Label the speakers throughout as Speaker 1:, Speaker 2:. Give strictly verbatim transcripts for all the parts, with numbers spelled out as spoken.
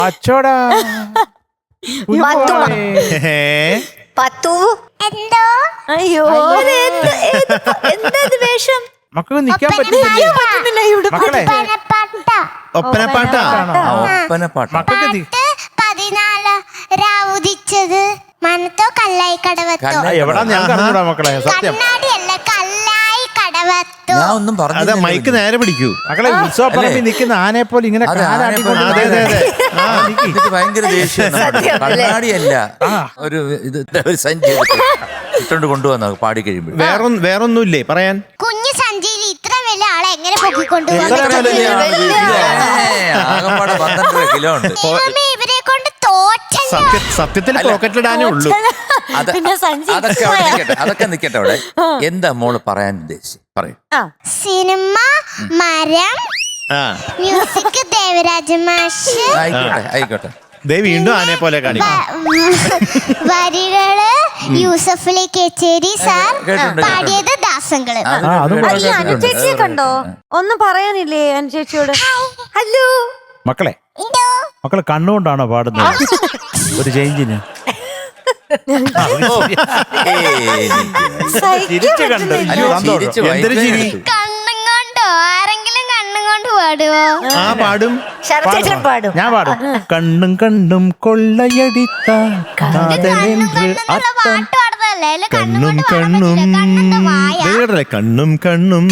Speaker 1: അച്ചോടാ
Speaker 2: പത്തു എന്തോ
Speaker 3: അയ്യോ എന്താ വേഷം
Speaker 1: മക്കൾക്ക് നിക്കാൻ പറ്റുന്നില്ല ഇവിടെ. മക്കളെ
Speaker 4: ഒപ്പനപ്പാട്ടാ
Speaker 1: മക്കൾക്ക്
Speaker 2: പതിനാല് രാവുദിച്ചത് മനത്തോ കല്ലായി കടവത്തോ
Speaker 1: എവിടാ ഞാൻ കറഞ്ഞൂടാ മക്കളെ. സത്യം
Speaker 2: കണ്ണാടിയല്ല കല്ലായി കടവത്തോ.
Speaker 4: ഞാൻ ഒന്നും പറഞ്ഞു.
Speaker 5: മൈക്ക് നേരെ പിടിക്കൂ.
Speaker 1: മക്കളെ ഉത്സവ പറമ്പിൽ നിൽക്കുന്ന ആനയെ പോലെ ഇങ്ങനെ
Speaker 4: ഭയങ്കര ദേഷ്യം. കണ്ണാടിയല്ല ഒരു ഇത് ഒരു സഞ്ചി ഇട്ടോണ്ട് കൊണ്ടുവന്ന പാടി കഴിയുമ്പോൾ
Speaker 5: വേറെ വേറൊന്നുമില്ലേ പറയാൻ?
Speaker 2: കുഞ്ഞു സഞ്ചിയിൽ ഇത്ര വലിയ ആളെ എങ്ങനെ പൊക്കിക്കൊണ്ടുപോകാൻ
Speaker 4: ആകപ്പാടെ പന്ത്രണ്ടര കിലോ ഉണ്ട്.
Speaker 2: ഇവരെ കൊണ്ട് തോറ്റല്ലോ.
Speaker 5: സത്യത്തിൽ പോക്കറ്റിലിടാനേ ഉള്ളൂ.
Speaker 4: അതൊക്കെ അവിടെ നിൽക്കട്ടെ, അതൊക്കെ നിൽക്കട്ടെ അവിടെ. എന്താ മോള് പറയാൻ ഉദ്ദേശിച്ചു പറയൂ.
Speaker 2: സിനിമ മരം, മ്യൂസിക് ദേവരാജ മാഷ്.
Speaker 4: ആയിക്കോട്ടെ ആയിക്കോട്ടെ.
Speaker 5: ദേ വീണ്ടും ആനയെ പോലെ കാണിക്കും.
Speaker 2: വരികള് യൂസഫലി കേച്ചേരി സാർ, പാടിയത് ദാസങ്ങള്.
Speaker 3: അനുചേച്ചിയെ കണ്ടോ? ഒന്നും പറയാനില്ലേ അനുചേച്ചിയോട്? ഹലോ
Speaker 1: മക്കളെ, മക്കളെ കണ്ണുകൊണ്ടാണോ പാടുന്നത്? ഒരു ചേഞ്ചിന് ചിരിച്ചു കണ്ട്
Speaker 2: കണ്ണും കൊണ്ടോ ആരെങ്കിലും കണ്ണും കൊണ്ട് പാടുവോ?
Speaker 5: ആ പാടും.
Speaker 3: പാടും.
Speaker 1: ഞാൻ പാടും. കണ്ണും കണ്ണും കൊള്ളയടിത്ത കാതലെன்று അർത്ഥം.
Speaker 5: കണ്ണും കണ്ണും വേറെ കണ്ണും കണ്ണും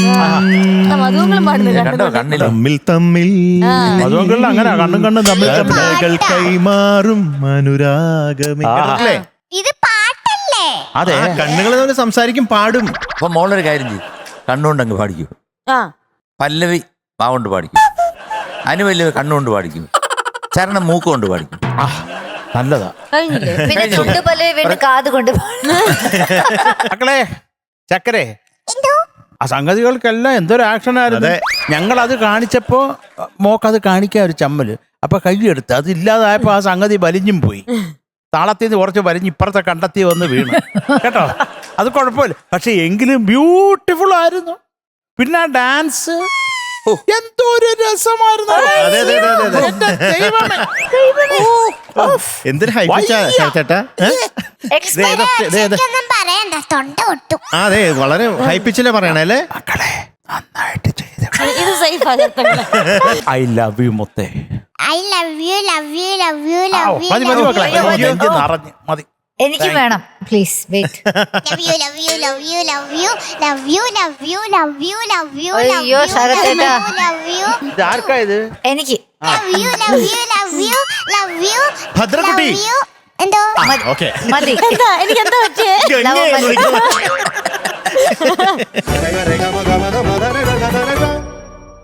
Speaker 5: തമ്മിൽ തമ്മിൽ
Speaker 1: അതുകൊണ്ടുള്ള അങ്ങനെ കണ്ണും കണ്ണും തമ്മിൽ
Speaker 5: കണ്ണുകൾ കൈമാറും അനുരാഗമേ.
Speaker 2: ഇത് പാട്ടല്ലേ?
Speaker 5: അതെ, കണ്ണുകൾ തമ്മിൽ സംസാരിക്കും, പാടും.
Speaker 4: അപ്പൊ മോളൊരു കാര്യം ചെയ്യും, കണ്ണുകൊണ്ട് അങ്ങ് പാടിക്കൂ. പല്ലവി വാവുകൊണ്ട് പാടിക്കും, അനുപല്ലവി കണ്ണുകൊണ്ട് പാടിക്കും, ചരണം മൂക്കുകൊണ്ട് പാടിക്കും.
Speaker 1: നല്ലതാ.
Speaker 3: പിന്നെ ചുണ്ട് പല്ലവി വീണ്ടും കാത് കൊണ്ട്.
Speaker 1: മക്കളെ ചക്കരെ, ആ സംഗതികൾക്കെല്ലാം എന്തൊരു ആക്ഷൻ ആയിരുന്നു. ഞങ്ങൾ അത് കാണിച്ചപ്പോ മോക്കത് കാണിക്കാൻ ഒരു ചമ്മല്, അപ്പൊ കൈയെടുത്ത് അത് ഇല്ലാതായപ്പോ ആ സംഗതി വലിഞ്ഞും പോയി. താളത്തിൽ നിന്ന് കുറച്ച് വലിഞ്ഞ് ഇപ്പുറത്തെ കണ്ടെത്തി വന്ന് വീണു കേട്ടോ. അത് കുഴപ്പമില്ല, പക്ഷെ എങ്കിലും ബ്യൂട്ടിഫുൾ ആയിരുന്നു. പിന്നെ ആ ഡാൻസ് എന്തോ ഒരു രസമായിരുന്നു.
Speaker 5: എന്തൊരു ചേട്ടാ. അതെ, വളരെ ഹൈപ്പിച്ചിലെ പറയണല്ലേ.
Speaker 1: മക്കളെ നന്നായിട്ട് ചെയ്തു. ഐ ലവ് യു മുത്തേ.
Speaker 2: I love you love you love you love you
Speaker 1: മതി മതി മക്കളെ, നിറഞ്ഞ് മതി.
Speaker 3: എനിക്ക് വേണം please. Wait.
Speaker 2: Love you love you love you love you love you love you love you love you
Speaker 3: അയ്യോ ശരത്തേട്ടാ,
Speaker 2: ലവ് യു
Speaker 1: ഇത് ആർക്കാ ഇത്?
Speaker 3: എനിക്ക്
Speaker 2: love you love you love you love you
Speaker 5: ഭദ്രകുട്ടി.
Speaker 2: എന്തോ
Speaker 5: ഓക്കെ
Speaker 3: മതി. എന്താ എനിക്ക് എന്താ പറ്റിയേ?